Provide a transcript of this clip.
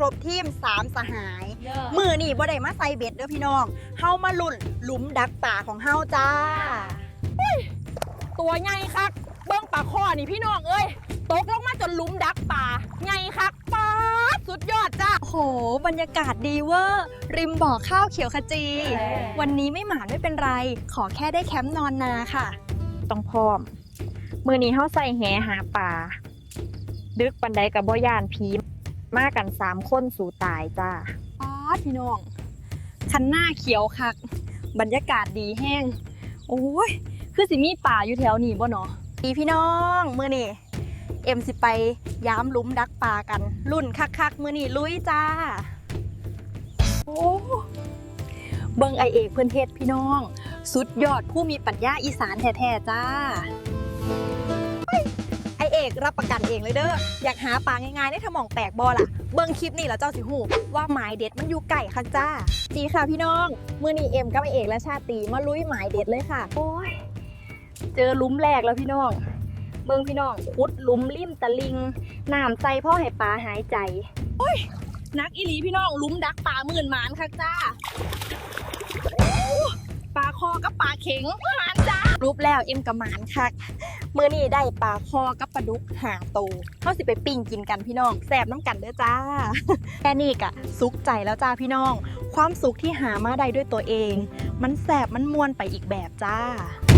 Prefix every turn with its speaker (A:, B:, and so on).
A: รบทีม3สหายมือนี่บ่ได้มาใส่เบ็ดเด้อพี่น้องเฮามาลุ่นหลุมดักป่าของเฮาจ้า
B: ตัวใหญ่คักเบิ้งปลาข้อนี่พี่น้องเอ้ยตกลงมาจนหลุมดักป่าใหญ่คักป๊าดสุดยอดจ้า
A: โหบรรยากาศดีเวอร์ริมบ่อข้าวเขียวขจีวันนี้ไม่หมานไม่เป็นไรขอแค่ได้แคมป์นอนนาค่ะ
B: ต้องพร้อมมือนี้เฮาใส่แหหาปลาดึกปันใดกับบ่ย่านผีมากัน3คนสู่ตายจ้า
A: ป๊าดพี่น้องคันหน้าเขียวคักบรรยากาศดีแห้งโอ้ยคือสิมีป่าอยู่แถวนี้บ่เนาะพี่น้องมื้อนี้เอ็มสิไปย้ำหลุมดักปลากันรุ่นคักๆมื้อนี้ลุยจ้าโอ้เบิ่งไอเอกเพิ่นเฮ็ดพี่น้องสุดยอดผู้มีปัญญาอีสานแท้ๆจ้าไอเอกรับประกันเองเลยเด้ออยากหาปลาง่ายๆได้ถ้ามองแตกบ่ล่ะเบิ่งคลิปนี่แล้วเจ้าสิฮู้ว่าหมายเด็ดมันอยู่ไก่คักจ้าดีค่ะพี่น้องมื้อนี้เอ็มกับไอเอกและชาติมาลุยหมายเด็ดเลยค่ะโอ้ยเจอหลุมแรกแล้วพี่น้องเบิ่งพี่น้องขุดหลุมริมตะลิงน้ำใจพ่อให้ปลาหายใจโอ้ยนักอีหลีพี่น้องหลุมดักปลาหมื่นหมานคักจ้าปลาคอกับปลาเข็งหมานจ้ารูปแล้วเอ็มกับหมานคักมื้อนี้ได้ปลาคอกับปลาดุก5 ตัวเฮาสิไปปิ้งกินกันพี่น้องแซ่บน้ำกันเด้อจ้าแค่นี้กะสุขใจแล้วจ้าพี่น้องความสุขที่หามาได้ด้วยตัวเองมันแซ่บมันม่วนไปอีกแบบจ้า